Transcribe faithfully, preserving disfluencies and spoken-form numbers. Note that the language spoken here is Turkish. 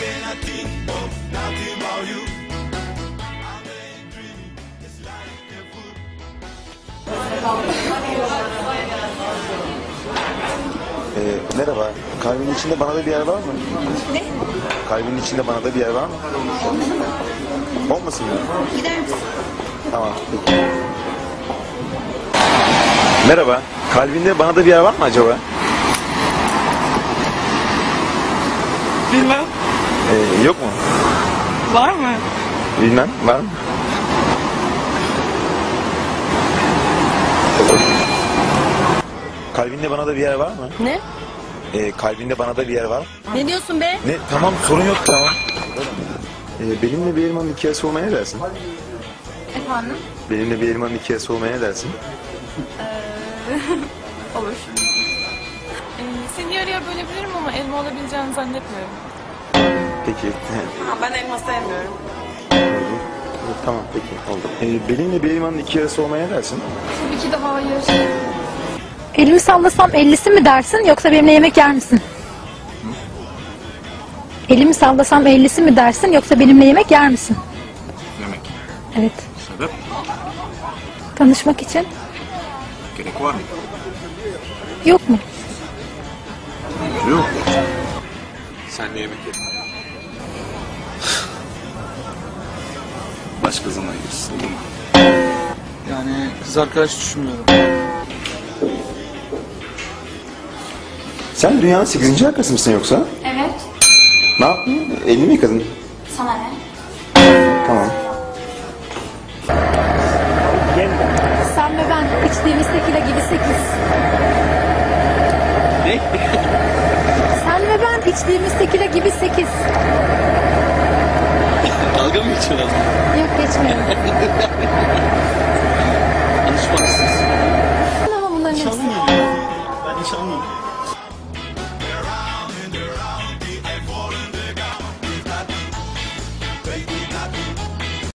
Ee, merhaba. Kalbinin içinde bana da bir yer var mı? Ne? Kalbinin içinde bana da bir yer var mı? Olmasın mı? Gider misin? Tamam. Peki. Merhaba. Kalbinde bana da bir yer var mı acaba? Bilmem. Ee, yok mu? Var mı? Bilmem. Var mı? Kalbinde bana da bir yer var mı? Ne? Ee, kalbinde bana da bir yer var mı? Ne diyorsun be? Ne? Tamam, sorun yok, tamam. Ee, benimle bir elmanın hikayesi olmaya ne dersin? Efendim? Benimle bir elmanın hikayesi olmaya ne dersin? Olur. Ee, seni yarı yarı bölebilirim ama elma olabileceğini zannetmiyorum. Peki. Ha, ben elma sevmiyorum. Tamam, peki, oldu. Ee, benimle bir elmanın iki yarısı olmaya ne dersin? Tabii ki de hayır. Elimi sallasam ellisi mi dersin yoksa benimle yemek yer misin? Elimi sallasam ellisi mi dersin yoksa benimle yemek yer misin? Yemek. Evet. Sebep? Tanışmak için. Gerek var mı? Yok mu? Yok. Sen de yemek yedin. Başka zaman yersin. Yani kız arkadaş düşünmüyorum. Sen dünyanın sekizinci arkası mısın yoksa? Evet. Ne yaptın? Elini mi yıkadın? Sana ne? Tamam. Sen ve ben içtiğimiz tekila gibi sekiz. Ne? Sen ve ben içtiğimiz tekila gibi sekiz. Dalga mı geçiyorsun? Yok geçmiyorum. Alışmaksız. Ama bunların hepsi. Ben hiç anlamadım.